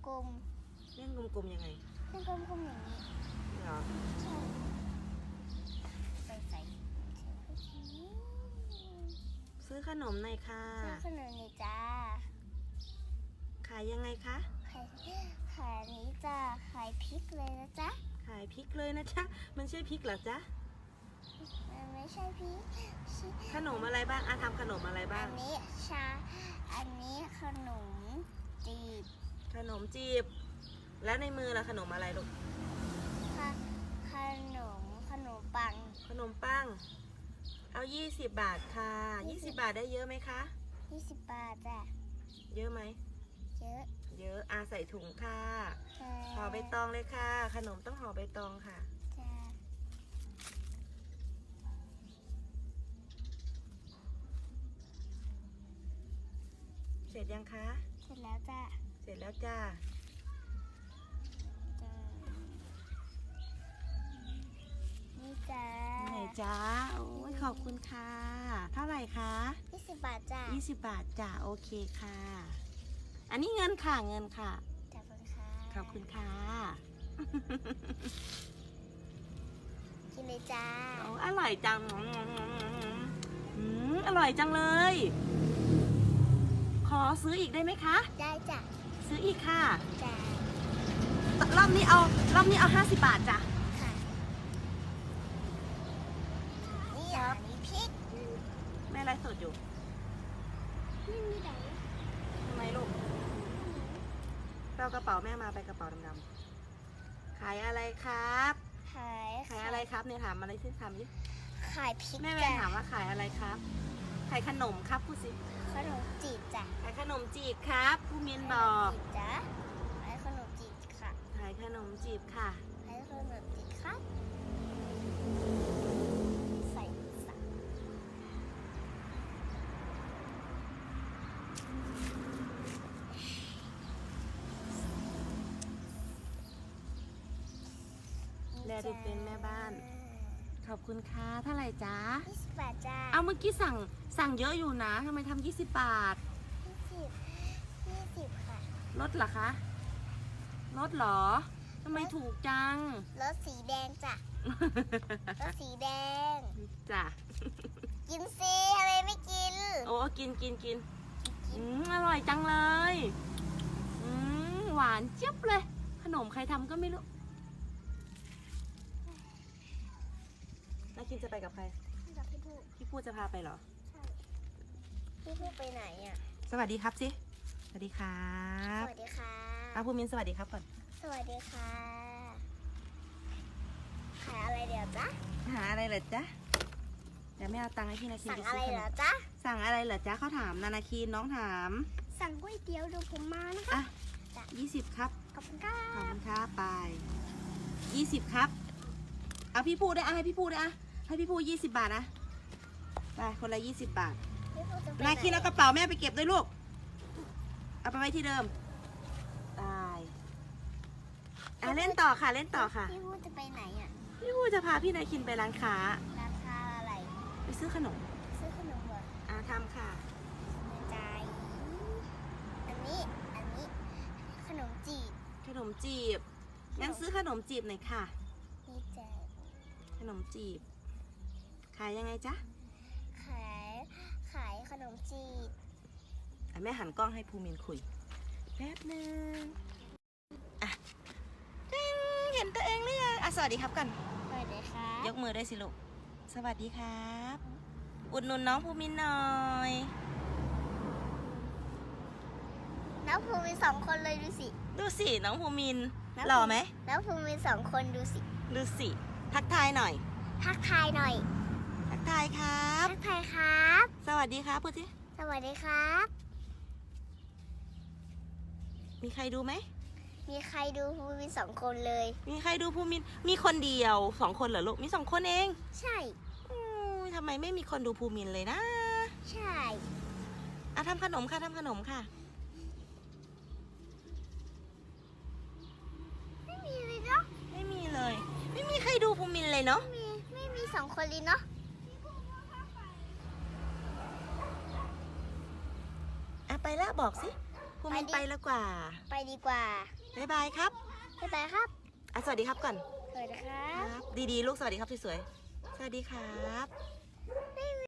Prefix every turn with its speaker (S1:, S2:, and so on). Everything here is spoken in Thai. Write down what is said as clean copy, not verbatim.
S1: ลม
S2: เล่นกลมๆยังไง
S1: ๆเล่นกลมๆอย่างนี้
S2: เหรอ
S1: ใช่ไปใส่
S2: ซื้อขนมหน่อยค่ะ
S1: ซื้อขนมนี่จ้า
S2: ขายยังไงคะ
S1: ขายนี้จ้าขายพริกเลยนะจ๊ะ
S2: ขายพริกเลยนะจ๊ะมันใช่พริกเหรอจ๊ะ
S1: มันไม่ใช่พริก
S2: ขนมอะไรบ้างทำขนมอะไรบ้าง
S1: อันนี้อันนี้ขนมจีบ
S2: ขนมจีบแล้วในมือล่ะขนมอะไรลูก
S1: ขนมปัง
S2: ขนมปังเอา20 บาทค่ะ20 บาทได้เยอะไหมคะ
S1: 20 บาทจ้ะ
S2: เยอะไหม
S1: เยอะ
S2: ใส่ถุงค่ะห่อใบตองเลยค่ะขนมต้องห่อใบตองค่ะเสร็จยังคะ
S1: เสร็จแล้วจ้ะ
S2: เสร็จแล้วจ้า
S1: นี่จ้า
S2: ไหนจ้าโอ้ยขอบคุณค่ะเท่าไหร่คะ
S1: 20 บาทจ้ะ
S2: 20 บาทจ้าโอเคค่ะอันนี้เงินค่ะขอบคุณค่ะขอบคุณค่ะ
S1: กินเลยจ้า
S2: โอ้อร่อยจังอร่อยจังเลยขอซื้ออีกได้ไหมคะ
S1: ได้จ้ะ
S2: ซื้ออีกค่ะ
S1: จ้ะ
S2: รอบนี้เอา50 บาทจ้ะ
S1: ค่ะนี่มีพริก
S2: แม่ไลฟ์สดอยู่
S1: นี่มีไหน
S2: ทำไมลูกเอากระเป๋าแม่มาไปกระเป๋าดำๆขายอะไรครับ
S1: ขาย
S2: อะไรครับเนี่ยถามอะไรที่ถามดิ
S1: ขายพริก
S2: แม่ถามว่าขายอะไรครับขายขนมครับพูดสิ
S1: ขนมจีบจ้ะ
S2: ขายขนมจีบครับผู้มินบอก
S1: จ้ะขายขนมจีบค่ะ
S2: ขายขนมจีบค่ะ
S1: ขายขนมจีบครับใส่
S2: แลดูเป็นแม่บ้านขอบคุณค่ะเท่าไหร่จ๊ะ
S1: 20 บาทจ้า
S2: เอาเมื่อกี้สั่งเยอะอยู่นะทำไมทำ20 บาท
S1: 20ค่ะ
S2: ลดเหรอคะลดเหรอทำไมถูกจัง
S1: รถสีแดงจ้ะรถสีแดง
S2: จ้ะ
S1: กินสิทำไมไม่กิน
S2: โอ้กินอร่อยจังเลยหวานเจี๊ยบเลยขนมใครทำก็ไม่รู้นาคินจะไปกับใคร
S1: กับ
S2: พี่พูจะพาไปเหรอ
S1: ใช่พี่พูไปไหนอ่ะ
S2: สวัสดีครับสิสวัสดีครับ
S1: สวัสดีค่ะ
S2: ภูมินสวัสดีครับก่อน
S1: สวัสดีค่ะขายอะไรเดี๋ยวจ๊ะ
S2: หาอะไรเหรอจ๊ะเดี๋ยวไม่เอาตังค์ให้พี่นาคิน
S1: สั่งอะไรเหรอจ๊ะ
S2: สั่งอะไรเหรอจ๊ะเขาถามนาคินน้องถาม
S1: สั่งก๋วยเตี๋ยวดูผมมานะคะ
S2: 20ครับ
S1: ขอบคุณค่ะ
S2: ขอบคุณครับไป20ครับเอาพี่พูดได้ให้พี่พูดได้ให้พี่พูด20 บาทนะไปคนละ20 บาทนาคินเอากระเป๋าแม่ไปเก็บด้วยลูกเอาไปไว้ที่เดิมได้เล่นต่อค่ะ
S1: พี่พูดจะไปไหนอ่ะ
S2: พี่พูดจะพาพี่นาคินไปร้านค้า
S1: อะไร
S2: ไปซื้อขนม
S1: เหรอ
S2: ทำค่ะ
S1: ใจอันนี้ขนมจีบ
S2: งั้นซื้อขนมจีบหน่อยค่ะ
S1: นี่จ้ะ
S2: ขนมจีบขายยังไงจ๊ะ
S1: ขายขนมจีบ
S2: แม่หันกล้องให้ภูมินคุยแป๊บนึงเห็นตัวเองหรือยังสวัสดีครับกัน
S1: สวัสดีครับ
S2: ยกมือได้สิลูกสวัสดีครับอุดหนุนน้องภูมินหน่อย
S1: น้องภูมิน2 คนเลย
S2: ดูสิน้องภูมินหล่อไหม
S1: น้องภูมิน2 คนดู
S2: สิทักทายหน่อย
S1: ทักทายครับ
S2: ทักทาย
S1: ครับ
S2: สวัสดีครับพูดสิ
S1: สวัสดีครับ
S2: มีใครดูไหม
S1: มีใครดูภูมิน2 คนเลย
S2: มีใครดูภูมินมีคนเดียว2 คนเหรอลูกมี2 คนเอง
S1: ใช่
S2: ทำไมไม่มีคนดูภูมินเลยนะ
S1: ใช่
S2: ทำขนมค่ะ
S1: ไม่มีเลยเนาะ
S2: ไม่มีเลยไม่มีใครดูภูมินเลยเนาะ
S1: ไม่มี2 คนเลยเนาะ
S2: ไปแล้วบอกสิภูมินไปแล้วกว่า
S1: ไปดีกว่า
S2: บ๊ายบายครับ
S1: บ๊ายบายครับ
S2: อ่ะสวัสดีครับก่อน
S1: สวัสดีครับ
S2: ดีๆลูกสวัสดีครับสวยๆสวัสดีครับ